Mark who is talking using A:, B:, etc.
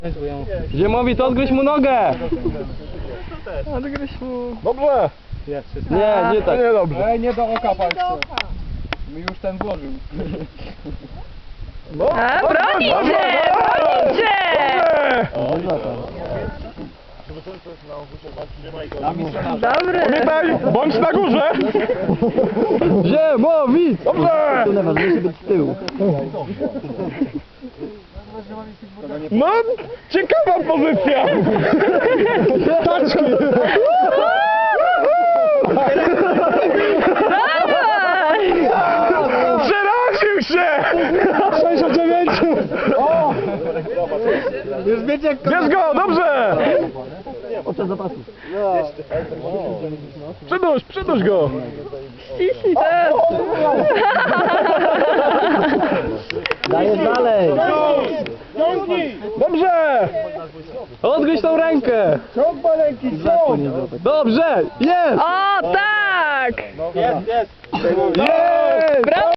A: Ziemowi, to odgryź mu nogę!
B: Odgryź mu.
C: Dobrze!
A: Nie, nie tak.
C: Nie dobrze.
B: Ej, nie do oka palce. Mi już ten włożył.
C: No,
D: A, bronicie! Bronicie! Dobry.
C: Pamiętaj, bądź na górze!
A: Ziemowi!
C: Dobrze!
A: Tu najważniejsze być z tyłu.
C: No, ciekawa pozycja! Taczki!
D: Dawaj!
C: Przeraził się! 6 o 9! O!
B: Już wiecie jak
C: Bierz go, dobrze!
A: Podczas zapasu.
C: Przyduś go!
D: Ściśnij teraz.
A: Dajesz dalej.
C: Dobrze!
A: Odgryź tą rękę.
B: ciąg maleńki, ciąg!
A: Dobrze, jest!
D: O, tak!
C: Jest!
D: Brawo!